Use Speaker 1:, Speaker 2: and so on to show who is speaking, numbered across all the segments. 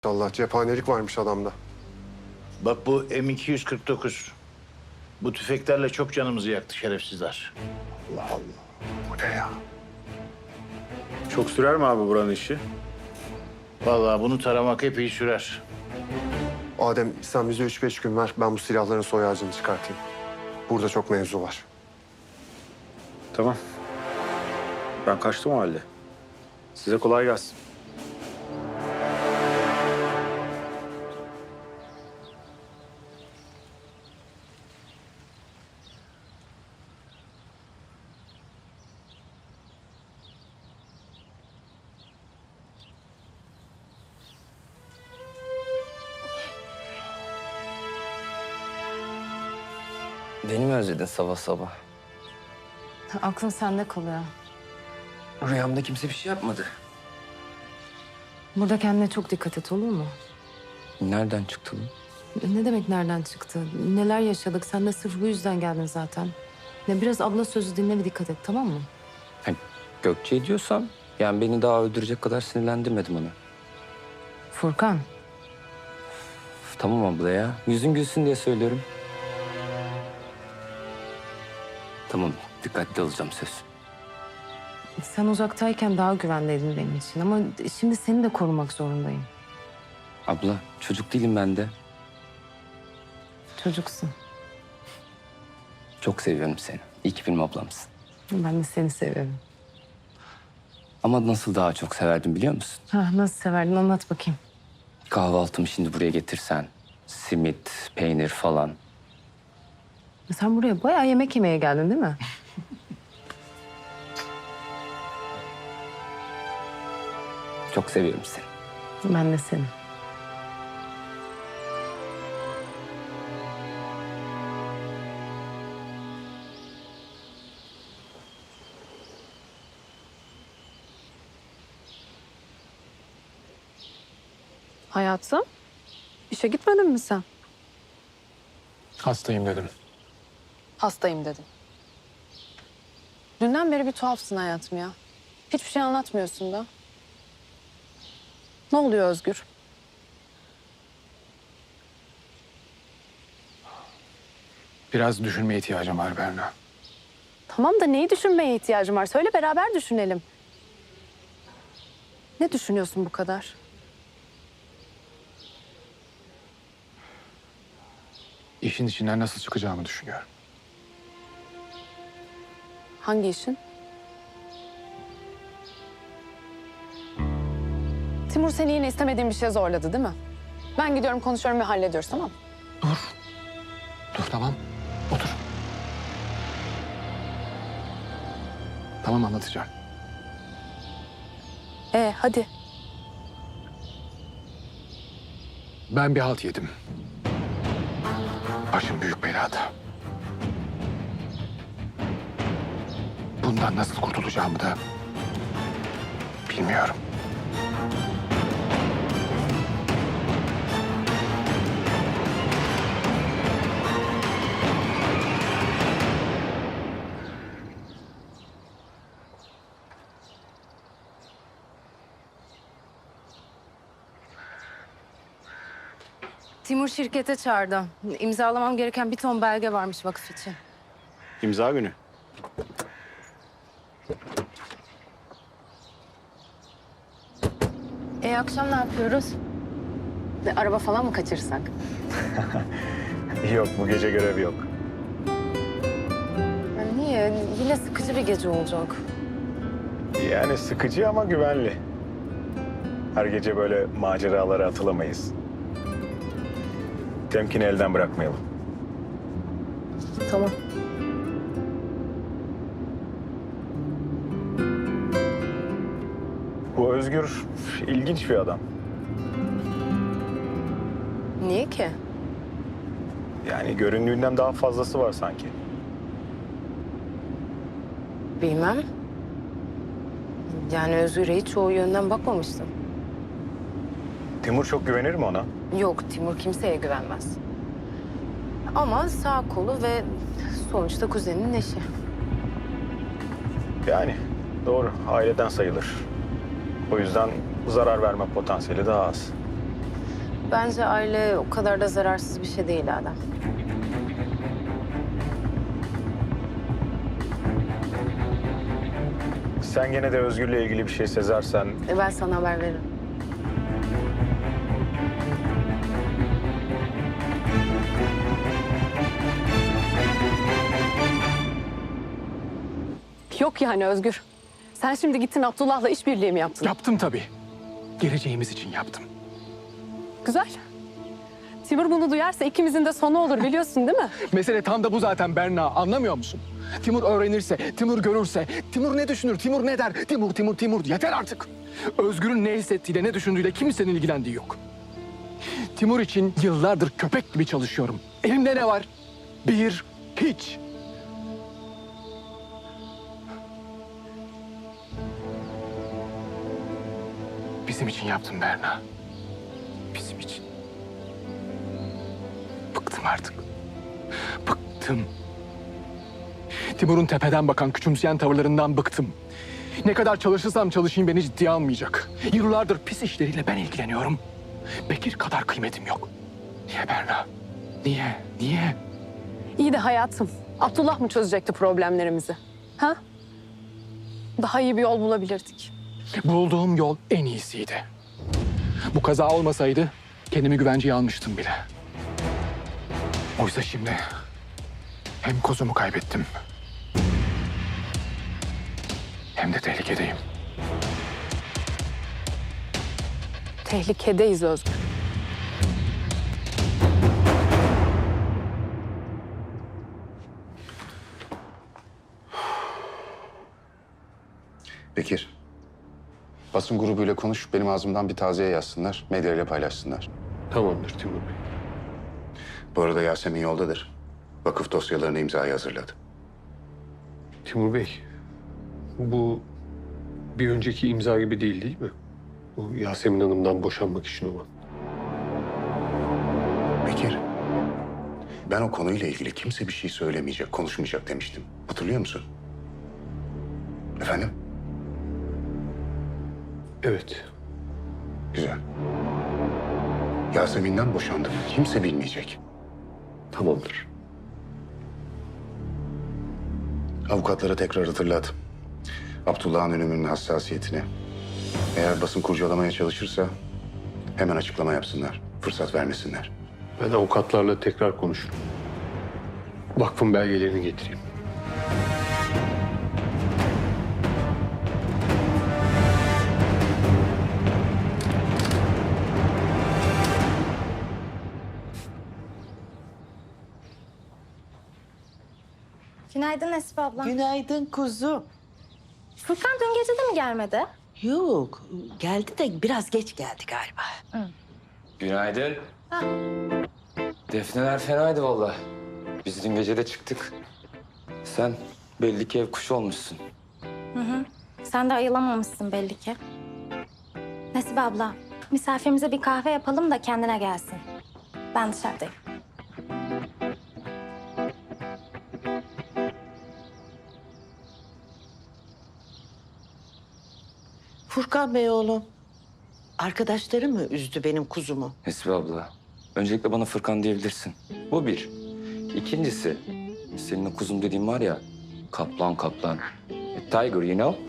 Speaker 1: Allah cephanelik varmış adamda.
Speaker 2: Bak bu M249. Bu tüfeklerle çok canımızı yaktı şerefsizler.
Speaker 1: Allah Allah. Bu ne ya?
Speaker 3: Çok sürer mi abi buranın işi?
Speaker 2: Vallahi bunu taramak epey sürer.
Speaker 1: Adem sen bize 3-5 gün ver. Ben bu silahların soy ağacını çıkartayım. Burada çok mevzu var.
Speaker 3: Tamam. Ben kaçtım o halde. Size kolay gelsin.
Speaker 4: Beni mi özledin sabah sabah?
Speaker 5: Aklım sende kalıyor.
Speaker 4: Rüyamda kimse bir şey yapmadı.
Speaker 5: Burada kendine çok dikkat et, olur mu?
Speaker 4: Nereden çıktı bu?
Speaker 5: Ne demek nereden çıktı? Neler yaşadık? Sen de sırf bu yüzden geldin zaten. Ya biraz abla sözü dinle ve dikkat et, tamam mı?
Speaker 4: Hani Gökçe diyorsan, yani beni daha öldürecek kadar sinirlendirmedim onu.
Speaker 5: Furkan,
Speaker 4: Tamam abla ya, yüzün gülsün diye söylüyorum. Tamam, dikkatli olacağım söz.
Speaker 5: sen uzaktayken daha güvendeydin benim için ama şimdi seni de korumak zorundayım.
Speaker 4: Abla, çocuk değilim ben de.
Speaker 5: Çocuksun.
Speaker 4: Çok seviyorum seni. İyi ki benim ablamsın.
Speaker 5: Ben de seni seviyorum.
Speaker 4: Ama nasıl daha çok severdim biliyor musun?
Speaker 5: Nasıl severdin anlat bakayım.
Speaker 4: Kahvaltımı şimdi buraya getirsen. Simit, peynir falan.
Speaker 5: Sen buraya bayağı yemek yemeye geldin değil mi?
Speaker 4: Çok seviyorum seni.
Speaker 5: Ben de seni.
Speaker 6: Hayatım, işe gitmedin mi sen?
Speaker 7: Hastayım dedim.
Speaker 6: Hastayım dedin. Dünden beri bir tuhafsın hayatım ya. Hiçbir şey anlatmıyorsun da. Ne oluyor Özgür?
Speaker 7: Biraz düşünmeye ihtiyacım var Berna.
Speaker 6: Tamam da neyi düşünmeye ihtiyacım var? Söyle beraber düşünelim. Ne düşünüyorsun bu kadar?
Speaker 7: İşin içinden nasıl çıkacağımı düşünüyorum.
Speaker 6: Hangi işin? Timur seni yine istemediğin bir şeye zorladı değil mi? Ben gidiyorum konuşuyorum ve hallediyoruz tamam mı?
Speaker 7: Dur tamam. Otur. Tamam anlatacağım.
Speaker 6: Hadi.
Speaker 7: Ben bir halt yedim. Başım büyük belada. Bundan nasıl kurtulacağımı da bilmiyorum.
Speaker 5: Timur şirkete çağırdı. İmzalamam gereken bir ton belge varmış vakıf için.
Speaker 3: İmza günü.
Speaker 5: Akşam ne yapıyoruz?
Speaker 6: Araba falan mı kaçırsak?
Speaker 3: Yok bu gece görevi yok.
Speaker 5: Niye? Yine sıkıcı bir gece olacak.
Speaker 3: Yani sıkıcı ama güvenli. Her gece böyle maceralara atılamayız. Temkini elden bırakmayalım.
Speaker 5: Tamam.
Speaker 3: Bu Özgür ilginç bir adam.
Speaker 5: Niye ki?
Speaker 3: Yani göründüğünden daha fazlası var sanki.
Speaker 5: Bilmem. Yani Özgür'e hiç o yönden bakmamıştım.
Speaker 3: Timur çok güvenir mi ona?
Speaker 5: Yok, Timur kimseye güvenmez. Ama sağ kolu ve sonuçta kuzeninin eşi.
Speaker 3: Yani doğru aileden sayılır. O yüzden zarar verme potansiyeli daha az.
Speaker 6: Bence aile o kadar da zararsız bir şey değil Adem.
Speaker 3: Sen gene de Özgür'le ilgili bir şey sezersen
Speaker 6: Ben sana haber veririm. Yok yani Özgür. Sen şimdi gittin Abdullah'la işbirliği mi yaptın?
Speaker 7: Yaptım tabii. Geleceğimiz için yaptım.
Speaker 6: Güzel. Timur bunu duyarsa ikimizin de sonu olur biliyorsun değil mi?
Speaker 7: Mesele tam da bu zaten Berna. Anlamıyor musun? Timur öğrenirse, Timur görürse, Timur ne düşünür, Timur ne der? Timur. Yeter artık. Özgür'ün ne hissettiğiyle, ne düşündüğüyle kimsenin ilgilendiği yok. Timur için yıllardır köpek gibi çalışıyorum. Elimde ne var? Hiç. Bizim için yaptım Berna. Bizim için. Bıktım artık. Bıktım. Timur'un tepeden bakan, küçümseyen tavırlarından bıktım. Ne kadar çalışırsam çalışayım beni ciddiye almayacak. Yıllardır pis işleriyle ben ilgileniyorum. Bekir kadar kıymetim yok. Niye Berna? Niye?
Speaker 6: İyi de hayatım. Abdullah mı çözecekti problemlerimizi? Ha? Daha iyi bir yol bulabilirdik.
Speaker 7: Bulduğum yol en iyisiydi. Bu kaza olmasaydı kendimi güvenceye almıştım bile. Oysa şimdi hem kozumu kaybettim hem de tehlikedeyim.
Speaker 6: Tehlikedeyiz Özgür.
Speaker 8: Bekir, basın grubuyla konuş, benim ağzımdan bir taziye yazsınlar, medyayla paylaşsınlar.
Speaker 9: Tamamdır Timur Bey.
Speaker 8: Bu arada Yasemin yoldadır. Vakıf dosyalarını imzaya hazırladı.
Speaker 9: Timur Bey, bu bir önceki imza gibi değil mi? Bu Yasemin Hanım'dan boşanmak için olan.
Speaker 8: Bekir, ben o konuyla ilgili kimse bir şey söylemeyecek, konuşmayacak demiştim. Hatırlıyor musun? Efendim?
Speaker 9: Evet.
Speaker 8: Güzel. Yasemin'den boşandım. Kimse bilmeyecek.
Speaker 9: Tamamdır.
Speaker 8: Avukatlara tekrar hatırlat. Abdullah'ın ölümünün hassasiyetini. Eğer basın kurcalamaya çalışırsa hemen açıklama yapsınlar. Fırsat vermesinler.
Speaker 9: Ben avukatlarla tekrar konuşurum. Vakfın belgelerini getireyim.
Speaker 10: Günaydın Esif abla.
Speaker 11: Günaydın kuzum.
Speaker 10: Furkan dün gece de mi gelmedi?
Speaker 11: Yok, geldi de biraz geç geldi galiba.
Speaker 4: Günaydın. Defneler fenaydı vallahi. Biz dün gece de çıktık. Sen belli ki ev kuşu olmuşsun.
Speaker 10: Sen de ayılamamışsın belli ki. Nesibe abla, misafirimize bir kahve yapalım da kendine gelsin. Ben dışarıdayım.
Speaker 11: Furkan Bey oğlum, arkadaşları mı üzdü benim kuzumu?
Speaker 4: Nesibe abla, öncelikle bana Fırkan diyebilirsin. Bu bir. İkincisi, senin o kuzum dediğin var ya, kaplan. Tiger, you know?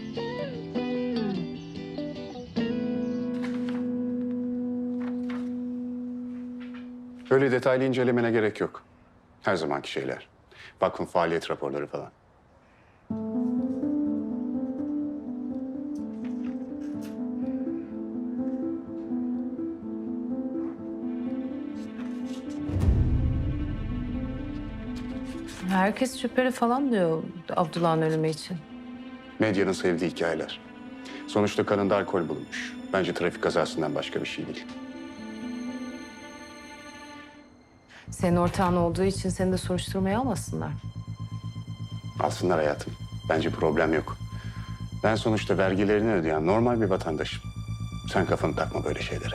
Speaker 8: Öyle detaylı incelemene gerek yok. Her zamanki şeyler. Vakfın faaliyet raporları falan.
Speaker 5: Herkes şüpheli falan diyor Abdullah'ın ölümü için.
Speaker 8: Medyanın sevdiği hikayeler. Sonuçta kanında alkol bulunmuş. Bence trafik kazasından başka bir şey değil.
Speaker 5: Senin ortağın olduğu için seni de soruşturmaya almasınlar.
Speaker 8: Alsınlar hayatım. Bence problem yok. Ben sonuçta vergilerini ödeyen normal bir vatandaşım. Sen kafanı takma böyle şeylere.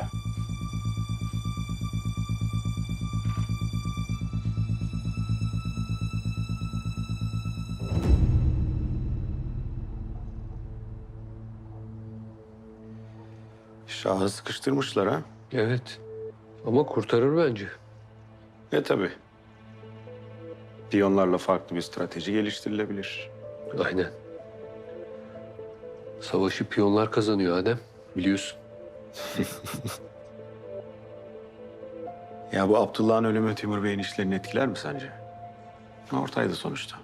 Speaker 12: Şahı sıkıştırmışlar ha.
Speaker 9: Evet. Ama kurtarır bence.
Speaker 8: Tabii. Piyonlarla farklı bir strateji geliştirilebilir.
Speaker 9: Aynen. Savaşı piyonlar kazanıyor Adem. Biliyorsun.
Speaker 8: Ya bu Abdullah'ın ölümü Timur Bey'in işlerini etkiler mi sence? Ortaydı sonuçta.